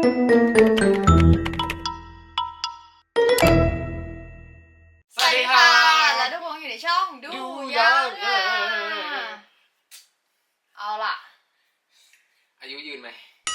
สวัสดีค่ะและทุกคนอยู่ในช่องดูยังเอาล่ะอายุยืนไหม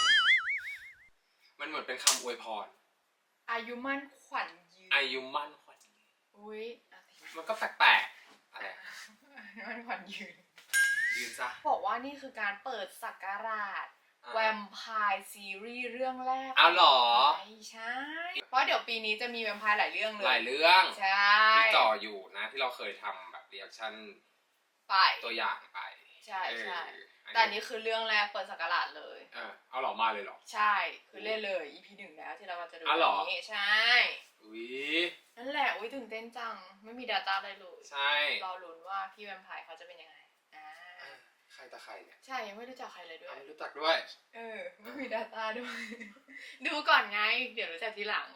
มันเหมือนเป็นคำอวยพรอายุมั่นขวัญยืนอายุมั่นขวัญอุ้ยมันก็แปลกๆอะไรมั่นขวัญยืนซะบอกว่านี่คือการเปิดศักราชแวมไพร์ซีรีส์เรื่องแรกเอาหรอใช่เพราะเดี๋ยวปีนี้จะมีแวมไพร์หลายเรื่องเลยหลายเรื่องใช่ที่จ่ออยู่นะที่เราเคยทำแบบรีแอคชั่นไปตัวอย่างไปใช่ใช่แต่อันนี้คือเรื่องแรกเปิดศักราชเลยเอาหรอมาเลยหรอใช่คือเล่นเลย EP 1แล้วที่เราจะดูวันนี้ใช่อุ้ยนั่นแหละอุ้ยตื่นเต้นจังไม่มี data อะไรเลยใช่รอลุ้นว่าพี่แวมไพร์เขาจะเป็นยังไงใครตะใครเนี่ยใช่ยังไม่รู้จักใครเลยด้วยไม่รู้จักด้วยไม่มี data ด้วยดูก่อนไงเดี๋ยวรู้จักทีหลัง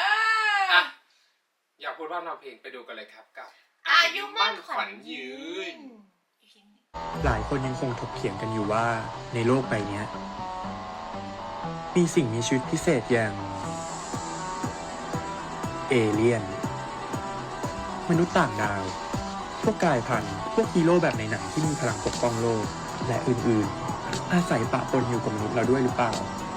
อยากพูดว่าเราเพลงไปดูกันเลยครับกับอายุมั่นขวัญยืนหลายคนยังคงถกเถียงกันอยู่ว่าในโลกใบนี้มีสิ่งมีชีวิตพิเศษอย่างเอเลี่ยนมนุษย์ต่างดาวพวกกายพันธุ์พวกฮีโร่แบบในหนังที่มีพลังปกป้องโลกและอื่นๆอาศัยปะปนอยู่กับมนุษย์เราด้วยหรือเปล่า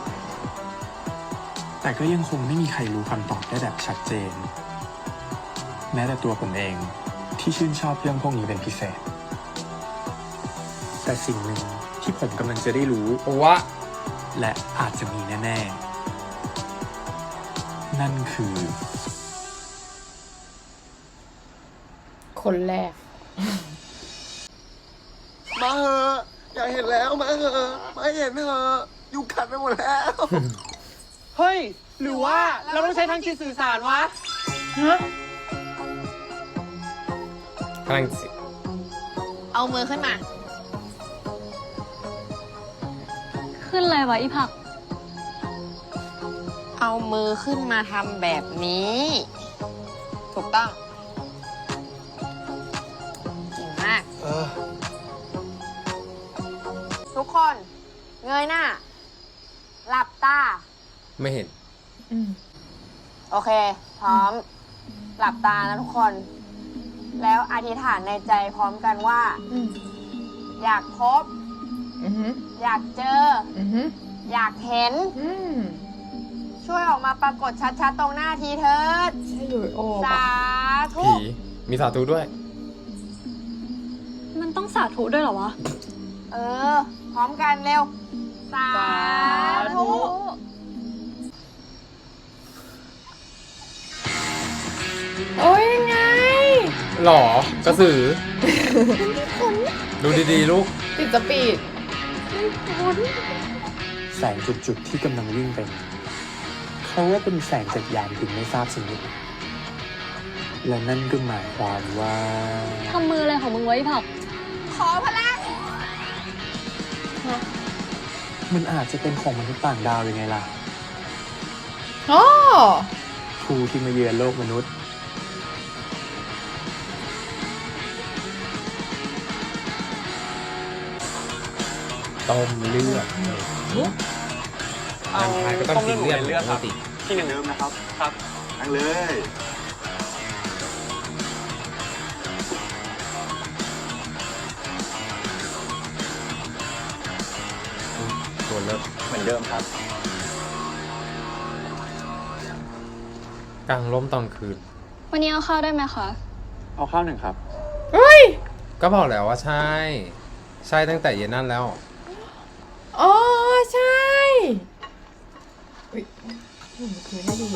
แต่ก็ยังคงไม่มีใครรู้คำตอบได้แบบชัดเจนแม้แต่ตัวผมเองที่ชื่นชอบเรื่องพวกนี้เป็นพิเศษแต่สิ่งหนึ่งที่ผมกำลังจะได้รู้ว่าและอาจจะมีแน่ๆนั่นคือคนแรกมาเหอะอยากเห็นแล้วมาเหอะมาเห็นเหอะยุงกัดไปหมดแล้วเฮ้ยหรือว่าเราต้องใช้ทางจิตสื่อสารวะพลังจิตเอามือขึ้นมาขึ้นอะไรวะอีผักเอามือขึ้นมาทำแบบนี้ถูกต้องเก่งมากทุกคนเงยหน้าหลับตาไม่เห็นโอเคพร้อมหลับตานะทุกคนแล้วอธิษฐานในใจพร้อมกันว่าอยากพบอยากเจออยากเห็นช่วยออกมาปรากฏชัดๆตรงหน้าทีเถิดใช่อยู่สาธุผีมีสาธุด้วยมันต้องสาธุด้วยเหรอวะพร้อมกันเร็วสาธุโอ้ยไงหรอกระสือ ดูดีๆลูกติดสปีดแสงจุดๆที่กำลังวิ่งไปเขาว่าเป็นแสงจากยานบินไม่ทราบชนิดและนั่นก็หมายความว่าทำมืออะไรของมึงไว้ผักขอพลังมันอาจจะเป็นของมนุษย์ต่างดาวยังไงล่ะผู้ที่มาเยือนโลกมนุษย์ต้มเลือดก็ต้องกินเลือดครับที่หนึ่งเดิมนะครับครับนั่งเลยตัวเลิกเหมือนเดิมครับกลางล้มตอนคืนวันนี้เอาข้าวได้ไหมคะเอาข้าวหนึ่งครับก็บอกแล้วว่าใช่ตั้งแต่เย็นนั่นแล้วอ๋อใช่อุ้ยคุยได้ดี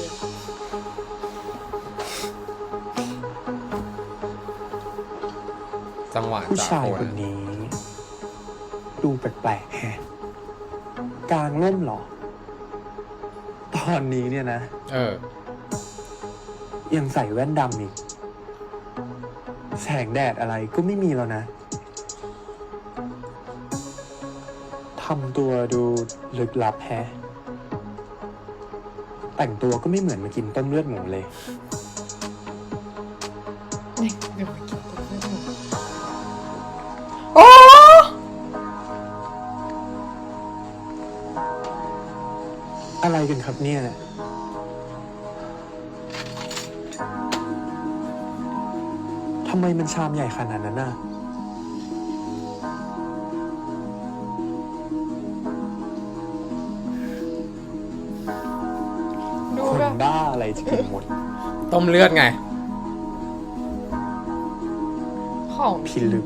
จังหวะผู้ชายคนนี้ดูแปลกๆแฮะกลางร่มหรอตอนนี้เนี่ยนะยังใส่แว่นดำอีกแสงแดดอะไรก็ไม่มีแล้วนะทำตัวดูลึกลับแฮะแต่งตัวก็ไม่เหมือนมากินต้มเลือดหมูเลยโอ้อะไรกันครับเนี่ย ทำไมมันชามใหญ่ขนาดนั้นน่ะดูคนแบบบ้าอะไรจะกินหมดต้มเลือดไงของพิลึก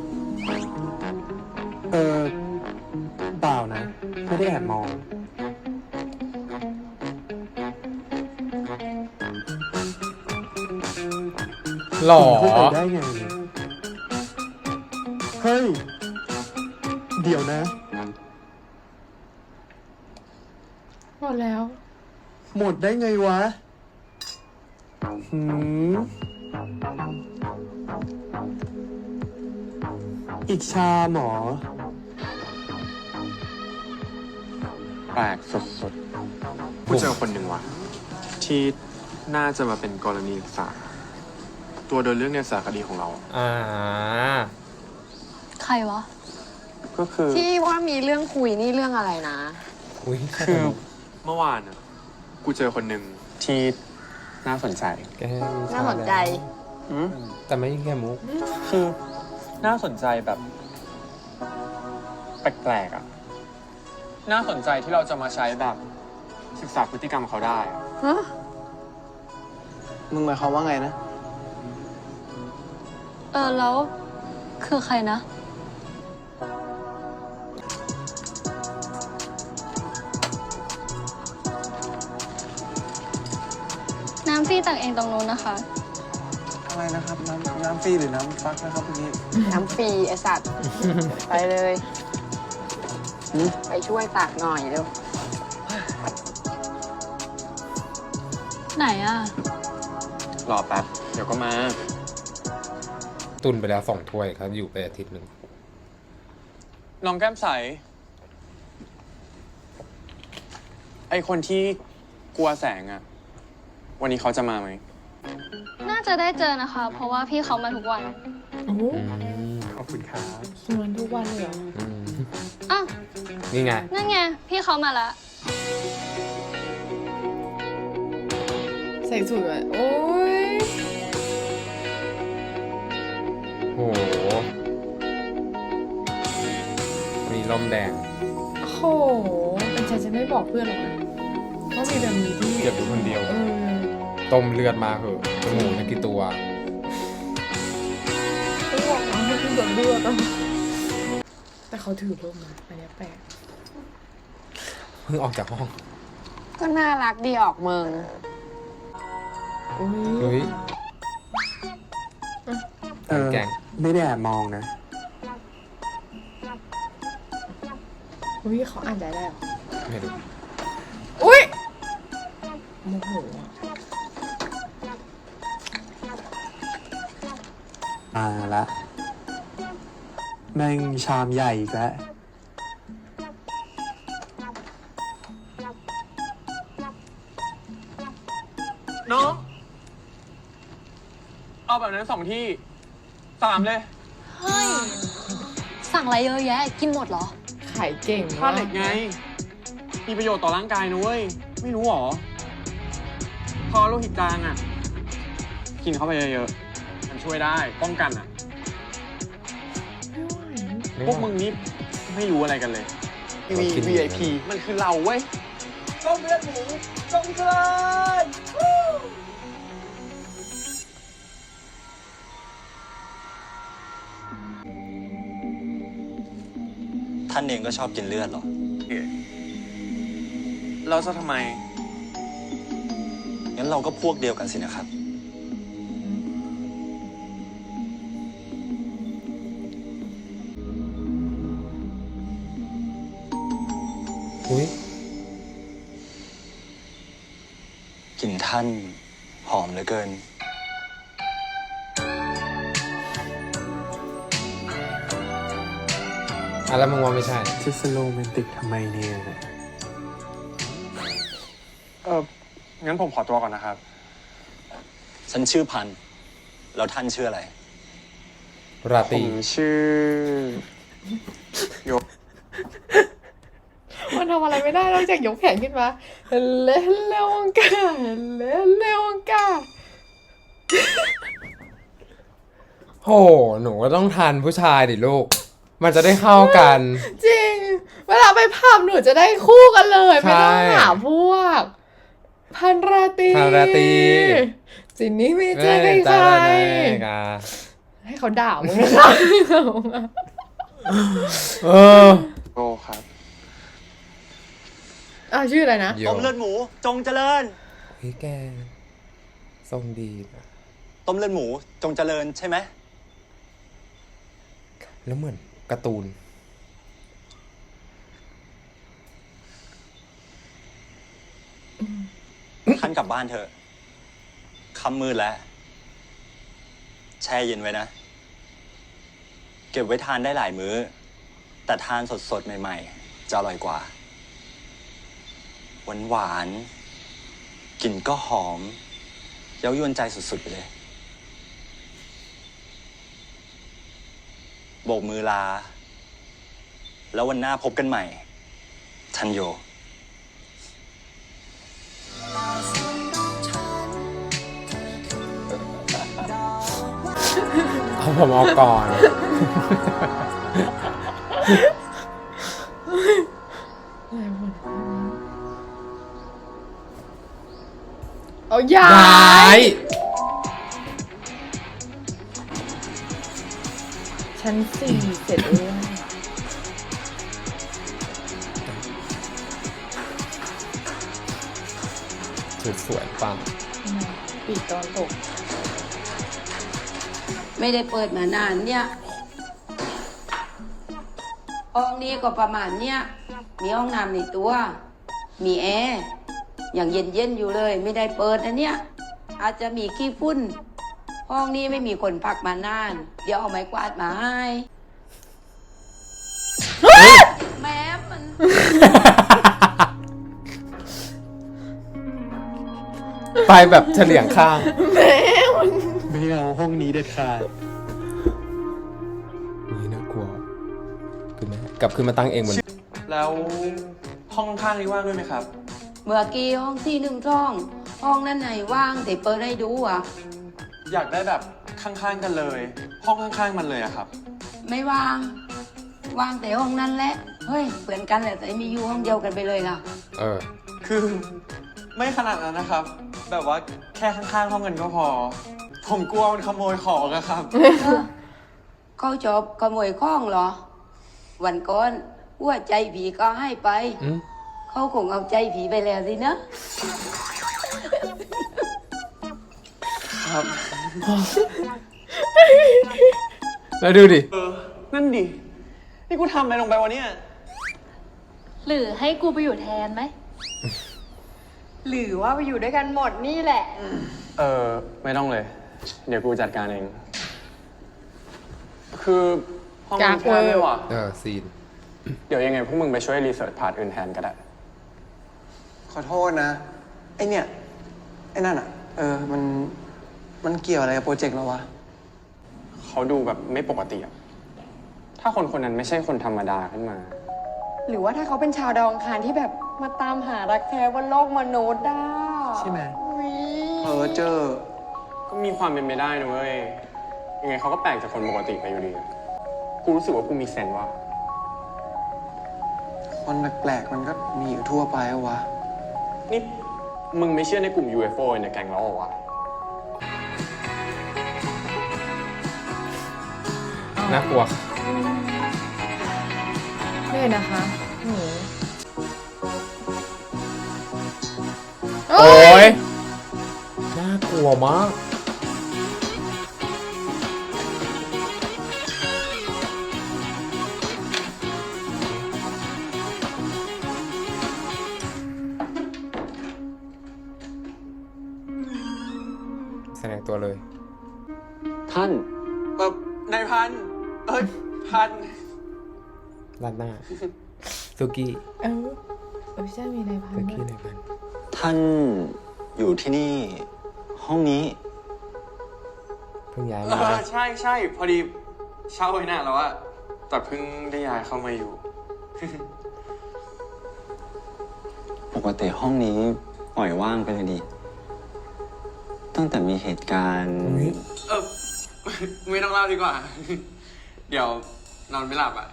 เปล่านะ ไม่ได้แอบมองหล่อคุณเข้าไปได้ไง เฮ้ย เดี๋ยวนะหมดแล้วหมดได้ไงวะ หืม อีกชามหมอ แปลกสุดๆ ผู้เจอคนหนึ่งว่ะ ที่น่าจะมาเป็นกรณีศึกษา ตัวเดินเรื่องในสารคดีของเราอ่าใครวะก็คือที่ว่ามีเรื่องคุยนี่เรื่องอะไรนะอุ้ยคือเมื่อวานอ่ะ กูเจอคนหนึ่งที่น่าสนใจแกมีน่าสนใจแต่ไม่ใช่แค่มุกคือน่าสนใจแบบแปลกๆอ่ะ น่าสนใจที่เราจะมาใช้แบบศึกษาพฤติกรรมเขาได้อะฮะมึงหมายความว่าไงนะแล้วคือใครนะ น้ำฟรีตักเองตรงนู้นนะคะอะไรนะครับ น้ำฟรีหรือน้ำฟักนะครับพี่น้ำฟรีไอสัตว์ ไปเลย ไปช่วยตักหน่อยเร็วไหนอ่ะรอแป๊บ เดี๋ยวก็มาตุนไปแล้ว2 ถ้วยครับ อยู่ไปอาทิตย์หนึ่งน้องแก้มใส ไอคนที่กลัวแสงอ่ะ วันนี้เขาจะมาไหมน่าจะได้เจอนะคะ เพราะว่าพี่เขามาทุกวันอืมขอบคุณครับสวนทุกวันเลยเหรออืมอ้าวนี่ไงนั่นไง พี่เขามาละใส่สูทเลยโอ้ยโห มีลมแดงโอ้โหเป็นฉันจะไม่บอกเพื่อนหรอกนะว่ามีแบบนี้ที่เก็บอยู่คนเดียว ต้มเลือดมาเหอะจมูกนี่กี่ตัวต้องบอกนะมันคือแบบเลือดอะแต่เขาถือร่มนะอันเนี้ยแปลกเพิ่งออกจากห้องก็น่ารักดีออกเมืองอุ้เฮ้ยย แกงไม่ได้แอบมองนะอุ้ยเขาอ่านใจได้เหรอไม่รู้อุ้ยโมโหอะมาละแม่งชามใหญ่อีกแล้ว น้อง เอาแบบนั้น2 ที่ 3 เลยเฮ้ย สั่งอะไรเยอะแยะ กินหมดเหรอขายเก่งธาตุเหล็กไง มีประโยชน์ต่อร่างกายนะเว้ย ไม่รู้หรอ พอโลหิตจางอ่ะ กินเข้าไปเยอะๆ มันช่วยได้ ป้องกันอ่ะไม่ไหวพวกมึงนี่ไม่รู้อะไรกันเลย VIP มันคือเราเว้ยต้มเลือดหมูต้มเกลือท่านเองก็ชอบกินเลือดเหรอเราจะทำไมงั้นเราก็พวกเดียวกันสินะครับอุ้ยกลิ่นท่านหอมเหลือเกินแล้วมึงว่าไม่ใช่จะสโลแมนติกทำไมเนี่ย งั้นผมขอตัวก่อนนะครับฉันชื่อพันธุ์แล้วท่านชื่ออะไรราตผรีมชื่อมันทำอะไรไม่ได้นอกจากยกแขนขึ้นมาเล่นเร็วงกาเล่นเร็วงกาโห หนูก็ต้องทันผู้ชายดิลูก มันจะได้เข้ากันจริง เวลาไปผับหนูจะได้คู่กันเลยใช่ไม่ต้องหาพวก พันราตรีพันราตรีจินนี่ไม่เจอใคร ให้เขาด่ามึงนะคะเออโอ้ครับชื่ออะไรนะต้มเลือดหมูจงเจริญเฮ้ยแกทรงดีนะต้มเลือดหมูจงเจริญใช่ไหมแล้วเหมือนการ์ตูนท่านกลับบ้านเถอะค่ำมืดแล้ว แช่เย็นไว้นะ เก็บไว้ทานได้หลายมื้อ แต่ทานสดๆ ใหม่ๆ จะอร่อยกว่า หวานๆ กลิ่นก็หอม เย้ายวนใจสุดๆ ไปเลย โบกมือลา แล้ววันหน้าพบกันใหม่ ทันโยเอาผมเอาก่อนเอาย้าย้าย ยชั้น 4 เสร็จแล้วสวยๆปังปีกตอนตกไม่ได้เปิดมานานเนี่ยห้องนี้ก็ประมาณเนี่ยมีห้องน้ำในตัว มีแอร์อย่างเย็นๆอยู่เลย ไม่ได้เปิดนะเนี่ยอาจจะมีขี้ฝุ่นห้องนี้ไม่มีคนพักมานาน เดี๋ยวเอาไม้กวาดมาให้แม้มันไปแบบเฉลียงข้างไม่เอาห้องนี้เด็ดขาดนี่น่ากลัวขึ้นไหมกลับขึ้นมาตั้งเองบนแล้วห้องข้างนี้ว่างด้วยไหมครับเมื่อกี้ห้องที่1ห้อง ห้องนั้นไหนว่างแต่เปิดให้ดูอ่ะอยากได้แบบข้างๆกันเลย ห้องข้างๆมันเลยอะครับไม่ว่าง ว่างแต่ห้องนั้นแหละ เฮ้ยเหมือนกันแหละแต่ไม่อยู่ห้องเดียวกันไปเลยล่ะเออคือไม่ขนาดนั้นนะครับ แบบว่าแค่ข้างๆห้องกันก็พอ ผมกลัวมันขโมยของอะครับเขาจบขโมยข้องเหรอ วันก่อนหัวใจผีก็ให้ไปอืมเขาคงเอาใจผีไปแล้วสินะครับแล้วดูดินั่นดิ นี่กูทำอะไรลงไปวะเนี่ยหรือให้กูไปอยู่แทนไหมหรือว่าไปอยู่ด้วยกันหมดนี่แหละไม่ต้องเลย เดี๋ยวกูจัดการเอง คือห้องกามันกแค่ไม่ว่ะซีนเดี๋ยวยังไงพวกมึงไปช่วยรีเสิร์ชพาร์ทอื่นแทนก็ได้ขอโทษนะ ไอเนี่ย ไอ้นั่นอ่ะ มันเกี่ยวอะไรกับโปรเจกต์เราวะเขาดูแบบไม่ปกติอะถ้าคนคนนั้นไม่ใช่คนธรรมดาขึ้นมาหรือว่าถ้าเขาเป็นชาวดาวอังคารที่แบบมาตามหารักแท้บนโลกมนุษย์ได้ใช่ไหมอุ๊ยเจอก็มีความเป็นไปได้นะเว้ย ยังไงเขาก็แปลกจากคนปกติไปอยู่ดีอะกูรู้สึกว่ากูมีเซนส์ว่าคนแปลกๆมันก็มีอยู่ทั่วไปอะวะนี่มึงไม่เชื่อในกลุ่ม UFO ในแก๊งเราเหรอวะน่ากลัวนี่นะคะหนูโอ้ยน่ากลัวมาก แสดงตัวเลยท่านนายพัน พันด้านหน้า สุกี้ใช่มีในพันสุธุ์กี้ด้วยไหนพันท่านอยู่ที่นี่ ห้องนี้เพิ่งย้ายเอมาอ ใช่ พอดีเช่าไว้นานแล้วอะแต่เพิ่งได้ย้ายเข้ามาอยู่กติห้องนี้ปล่อยว่างไปเลยดิตั้งแต่มีเหตุการณ์ไม่ต้องเล่าดีกว่า เดี๋ยวนอนไม่หลับอ่ะ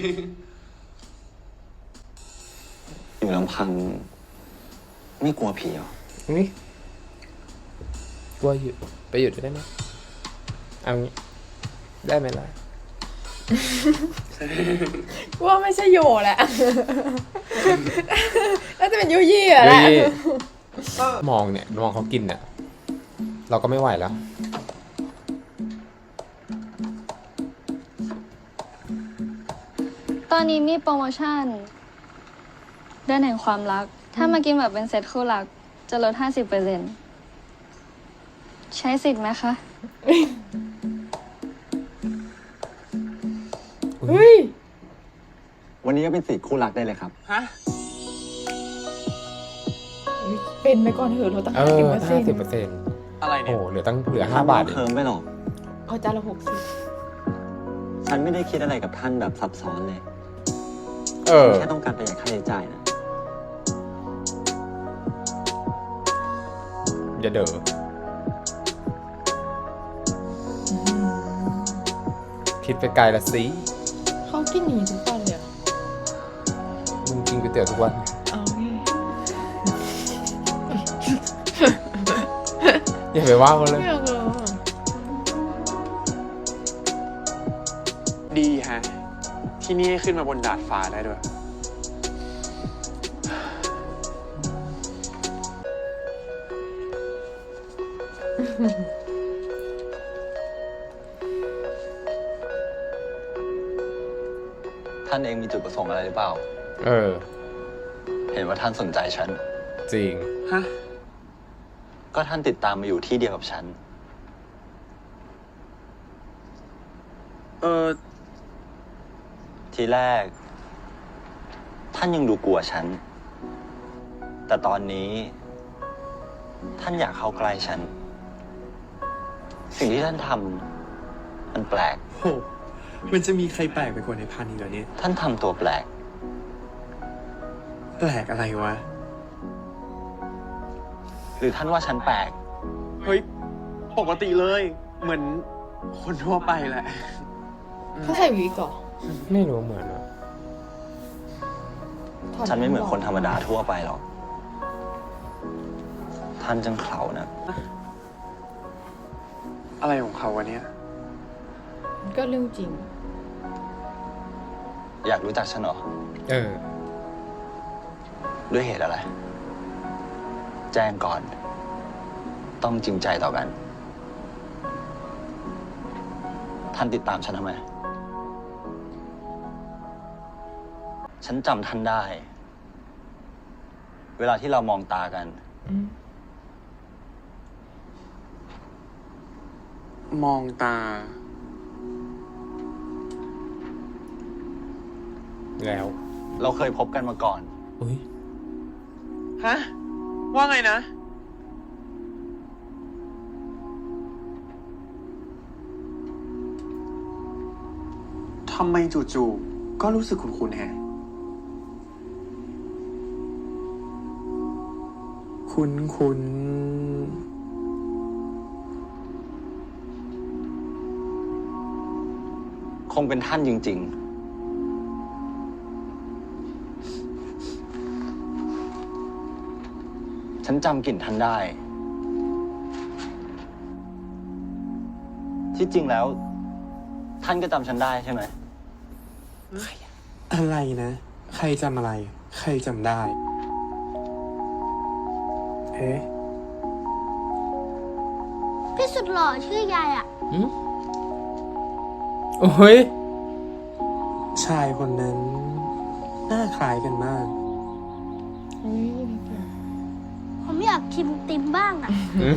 อยู่ลำพัง ไม่กลัวผีเหรอนี่กลัวอยู่ไปอยู่ได้ไหมเอางี้ได้ไหมล่ะว่าไม่ใช่โยแหละ น่าจะเป็นยุยี่อะแหละยุยี่ มองเนี่ยมองเขากินเนี่ยเราก็ไม่ไหวแล้วตอนนี้มีโปรโมชั่นเดือนแห่งความรัก ถ้ามากินแบบเป็นเซตคู่รัก จะลด 50%ใช้สิทธิ์ไหมคะเฮ้ยวันนี้ก็เป็น4 คู่รักได้เลยครับฮะเป็นไปก่อนเถอะเราตั้งเอ 50% 50% อะไรโอ้เนี่ยเหลือ5 บาทเอเคิงมไปหรอกเอาจานละ60 ฉันไม่ได้คิดอะไรกับท่านแบบซับซ้อนเลย แค่ต้องการประหยัดค่าใช้จ่ายนะอย่าเด้อคิดไปไกลละสิเขากินหนีทุกวันเลยอะมึงกินก๋วยเตี๋ยวทุกวันเอาไงอย่าไปว่าเขาเลยไม่เอาเลยอะดีฮะ ที่นี่ให้ขึ้นมาบนดาดฟ้าได้ด้วยท่านเองมีจุดประสงค์อะไรหรือเปล่าเออเห็นว่าท่านสนใจฉันจริงฮะก็ท่านติดตามมาอยู่ที่เดียวกับฉัน ทีแรก ท่านยังดูกลัวฉัน แต่ตอนนี้ ท่านอยากเข้าใกล้ฉัน สิ่งที่ท่านทำมันแปลกโห มันจะมีใครแปลกไปกว่าในพันอีกเหรอเนี่ยท่านทำตัวแปลกแปลกอะไรวะหรือท่านว่าฉันแปลกเฮ้ย ปกติเลย เหมือนคนทั่วไปแหละเขาใส่วิกเหรอไม่รู้เหมือนอะถดฉันไม่เหมือนคนธรรมดาทั่วไปหรอก ท่านจังเขานะอะไรของเขาวะเนี่ยก็เรื่องจริงอยากรู้จักฉันเหรอเออด้วยเหตุอะไร แจ้งก่อน ต้องจริงใจต่อกัน ท่านติดตามฉันทำไม ฉันจำท่านได้ เวลาที่เรามองตากันมองตาแล้วเราเคยพบกันมาก่อนอุ้ยฮะ ว่าไงนะ ทำไมจู่ๆ ก็รู้สึกคุ้นๆแฮะคุ้นคงเป็นท่านจริง ๆ ฉันจำกลิ่นท่านได้ ที่จริงแล้ว ท่านก็จำฉันได้ใช่ไหมๆ อะไรนะ ใครจำอะไร ใครจำได้ เอ๊ะพี่สุดหล่อชื่อยายอ่ะโอ้ยชายคนนั้น หน้าคล้ายกันมากผมอยากชิมติมบ้างอ่ะ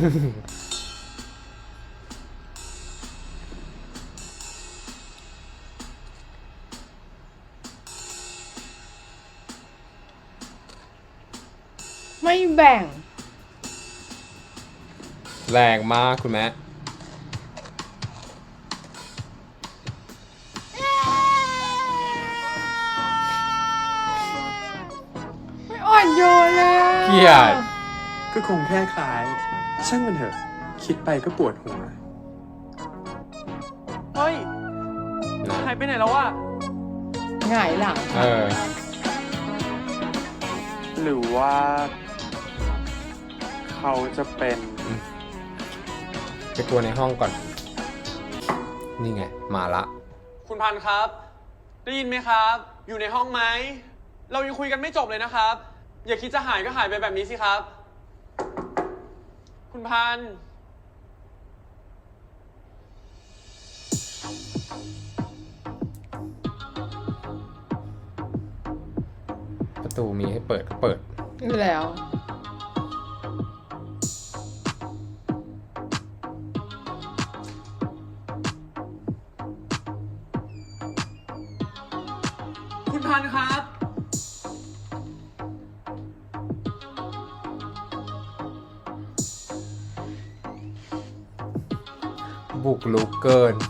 ไม่แบ่งแรงมากคุณแม่ไม่อ่อนโยนเลยอะเกลียดก็คงแค่คล้าย ช่างมันเถอะ คิดไปก็ปวดหัวเฮ้ยนะหายไปไหนแล้ววะหงายหลังเออหรือว่า เขาจะเป็นไปกลัวในห้องก่อน นี่ไง มาละคุณพันธุ์ครับ ได้ยินไหมครับ อยู่ในห้องไหม เรายังคุยกันไม่จบเลยนะครับ อย่าคิดจะหายก็หายไปแบบนี้สิครับ คุณพันธุ์ประตูมีให้เปิดก็เปิดอยู่แล้วคุณพันธุ์ครับบุกลุกเกิน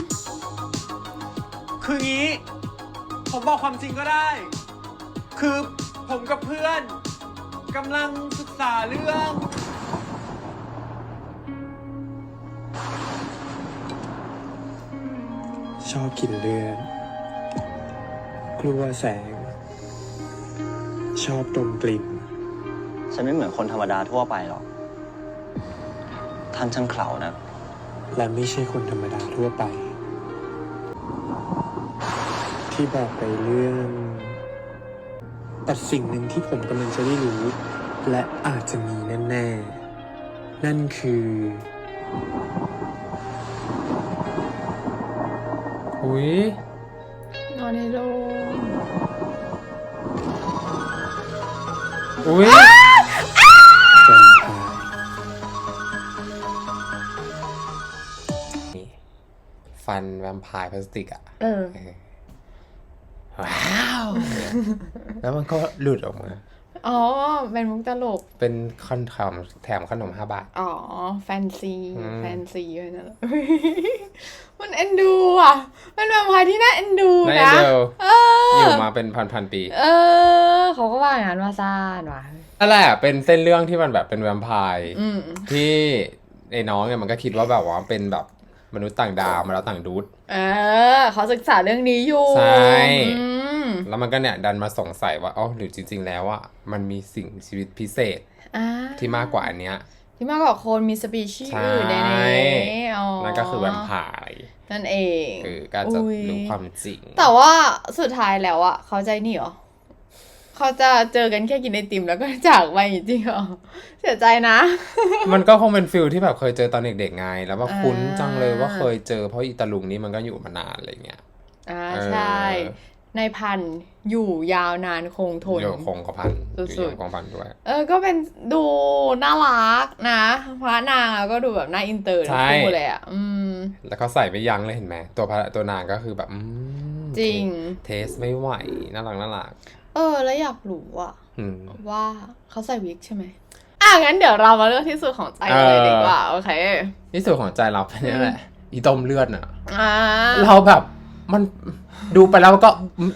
คืองี้ ผมบอกความจริงก็ได้ คือผมกับเพื่อนกำลังศึกษาเรื่องชอบกินเลือด กลัวแสง ชอบดมกลิ่นฉันไม่เหมือนคนธรรมดาทั่วไปหรอก ท่านช่างเขลานะและไม่ใช่คนธรรมดาทั่วไป ที่บอกไปเรื่องแต่สิ่งหนึ่งที่ผมกำลังจะได้รู้ และอาจจะมีแน่ๆ นั่นคืออุ้ยนอนในโรงอุ้ยแวมไพร์นี่ฟันแวมไพร์พลาสติกอะเออว้าว แล้วมันก็หลุดออกมาอ๋อ เป็นมุกตลกเป็นคอนแถมขนม5 บาทอ๋อ แฟนซีอืมแฟนซีเลยนั่นแหละ มันเอ็นดูอ่ะ เป็นแวมไพร์ที่น่าเอ็นดูในนะเดียวเอออยู่มาเป็นพันปีเออ เขาก็ว่าอย่างนั้นว่าซ่านว่ะนั่นแหละเป็นเส้นเรื่องที่มันแบบเป็นแวมไพร์อืมที่ไอ้น้องเนี่ยมันก็คิดว่าแบบว่าเป็นแบบมนุษย์ต่างดาวมาแล้วต่างดูดเออ เขาศึกษาเรื่องนี้อยู่ใช่อืมแล้วมันก็เนี่ยดันมาสงสัยว่าอ๋อหรือจริง ๆ แล้วอ่ะมันมีสิ่งชีวิตพิเศษอ่าที่มากกว่าอันเนี้ยที่มากกว่าคนมีสปีชีส์ใช่อื่นในนี้อ๋อนั่นก็คือแวมไพร์นั่นเองก็จะอุ๊ยรู้ความจริงแต่ว่าสุดท้ายแล้วอ่ะ เขาใจนี่เหรอ เขาจะเจอกันแค่กินไอติมแล้วก็จากไปจริงๆเหรอ เสียใจนะมันก็คงเป็นฟิลที่แบบเคยเจอตอนเด็กๆไง แล้วว่าอ่าคุ้นจังเลยว่าเคยเจอเพราะอีตาลุงนี่มันก็อยู่มานานอะไรเงี้ยอ่าเออใช่ ในพันธุ์อยู่ยาวนานคงทนอยู่คงกระพันอยู่สุดๆยงคงกระพันด้วยก็เป็นดูน่ารักนะพระนางอะก็ดูแบบน่าอินเตอร์ทั้งคู่เลยอ่ะแล้วเขาใส่ไม่ยั้งเลยเห็นไหมตัวนางก็คือแบบจริงเทสไม่ไหวน่ารักแล้วอยากรู้อ่ะอืมว่าเขาใส่วิกใช่ไหมงั้นเดี๋ยวเรามาเลือกที่สุดของใจเลยดีกว่า โอเคที่สุดของใจเราเป็นนี่แหละ อีต้มเลือดน่ะอ่าเราแบบมันดูไปแล้วก็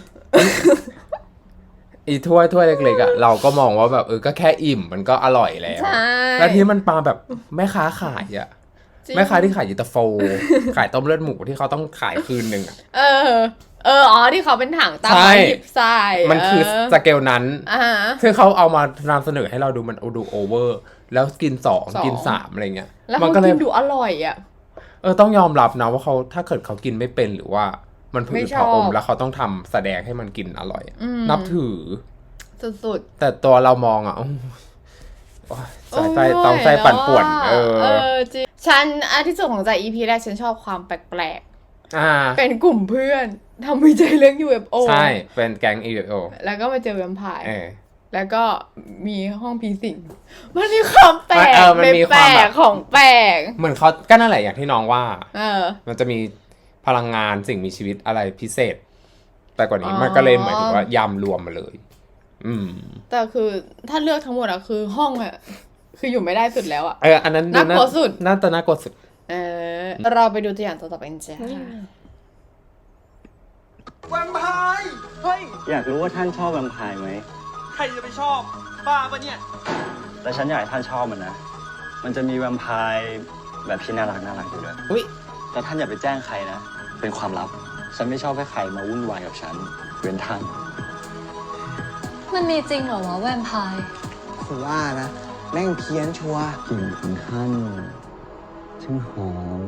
อีถ้วยเล็กๆอ่ะเราก็มองว่าแบบก็แค่อิ่มมันก็อร่อยแล้วใช่แล้วที่มันปาแบบแม่ค้าขายอ่ะจริงแม่ค้าที่ขายยูตาโฟ ขายต้มเลือดหมูที่เขาต้องขายคืนหนึ่งอ่ะที่เขาเป็นถังตามใช่มาหยิบใส่มันคือสเกลนั้นอ่าซึ่งเขาเอามานำเสนอให้เราดูมันดูโอเวอร์ แล้วกิน2กิน3อะไรเงี้ยแล้วมัเขาก็เลยกินดูอร่อยอ่ะต้องยอมรับนะว่าเขาถ้าเกิดเขากินไม่เป็นหรือว่ามันผืไม่ดชอบผะอมแล้วเขาต้องทำแสดงให้มันกินอร่อยอะอืมนับถือสุดแต่ตัวเรามองอ่ะโอ้ยใจต้องใจปั่นป่วนจริงฉันที่สุดของใจ EP แรกฉันชอบความแปลกอ่าๆ เป็นกลุ่มเพื่อนทำวิจัยเรื่อง UFO ใช่เป็นแก๊ง UFO แล้วก็มาเจอแวมไพร์เออแล้วก็มีห้องผีสิง มันมีความแปลกมันมีความแบบของแปลกเหมือนเขาก็นั่นแหละอย่างที่น้องว่าอมันจะมีพลังงานสิ่งมีชีวิตอะไรพิเศษ แต่กว่านี้อ๋อมันก็เลยหมายถึงว่ายำรวมมาเลยแต่คือถ้าเลือกทั้งหมดอะคือห้องอะคืออยู่ไม่ได้สุดแล้วอะอันนั้นน่ากลัวสุดน่ากลัวสุดเราไปดูตัวอย่างต่อไปกันจ้าแวมไพร์เฮ้ยอยากรู้ว่าท่านชอบแวมไพร์ไหมใครจะไปชอบ ผบ้าปะเนี่ยแต่ฉันอยากให้ท่านชอบมันนะ มันจะมีแวมไพร์แบบที่น่ารักอยู่ด้วยอุ้ยแต่ท่านอย่าไปแจ้งใครนะ เป็นความลับ ฉันไม่ชอบให้ใครมาวุ่นวายกับฉัน เว้นท่านมันมีจริงเหรอวะแวมไพร์ผมว่านะ แม่งเพี้ยนชัวร์กลิ่นของท่านช่างหอม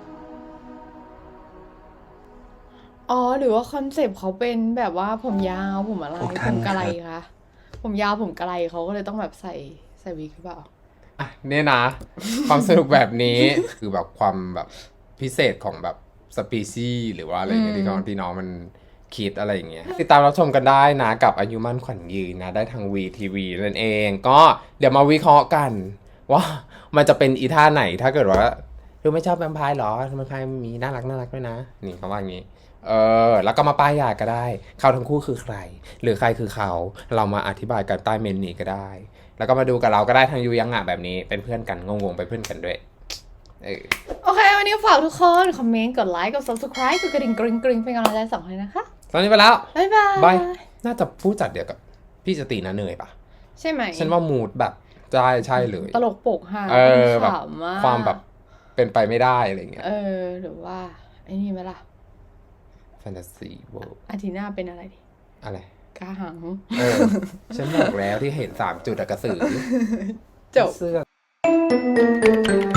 อ๋อหรือว่าคอนเซปต์เขาเป็นแบบว่าผมยาวผมอะไรพวกผท่านมกะไรครับคะผมยาวผมกะไรเขาก็เลยต้องแบบใส่วิกหรือเปล่าอ่ะเนี่ยนะ ความสนุกแบบนี้ คือแบบความแบบพิเศษของแบบสปีชีส์หรือว่าอะไรเงี้ยที่น้องมันคิดอะไรอย่างเงี้ยติดตามรับชมกันได้นะกับอายุมั่นขวัญยืนนะ ได้ทาง VTV นั่นเอง ก็เดี๋ยวมาวิเคราะห์กัน ว่ามันจะเป็นอีท่าไหนถ้าเกิดว่าไม่ชอบแวมไพร์หรอแวมไพร์มีน่ารักด้วยนะ นี่เขาว่าอย่างงี้แล้วก็มาป้ายยาก็ได้ เขาทั้งคู่คือใคร หรือใครคือเขาเรามาอธิบายกันใต้เมนนี้ก็ได้ แล้วก็มาดูกับเราก็ได้ทางยูยังอ่ะแบบนี้เป็นเพื่อนกันงงๆไปนเพื่อนกันด้วยโอเค วันนี้ฝากทุกคน คอมเมนต์ กดไลค์ กด subscribe กดกระดิ่งกริ๊งกริ๊งเป็นกำลังใจสองคนนะคะตอนนี้ไปแล้วบ๊ายบายบาย น่าจะผู้จัดเดียวกับพี่สตินะเนยปะใช่ไหมฉันว่ามูดแบบใช่เลยตลกโปกฮาแบบขำมากความแบบเป็นไปไม่ได้อะไรเงี้ยหรือว่าไอ้นี่ไหมล่ะแฟนตาซีเวิลด์อาทิตย์หน้าเป็นอะไรดีอะไรกาหังฉันบอกแล้วที่เห็น3 จุดอะกระสือจบเสื้อ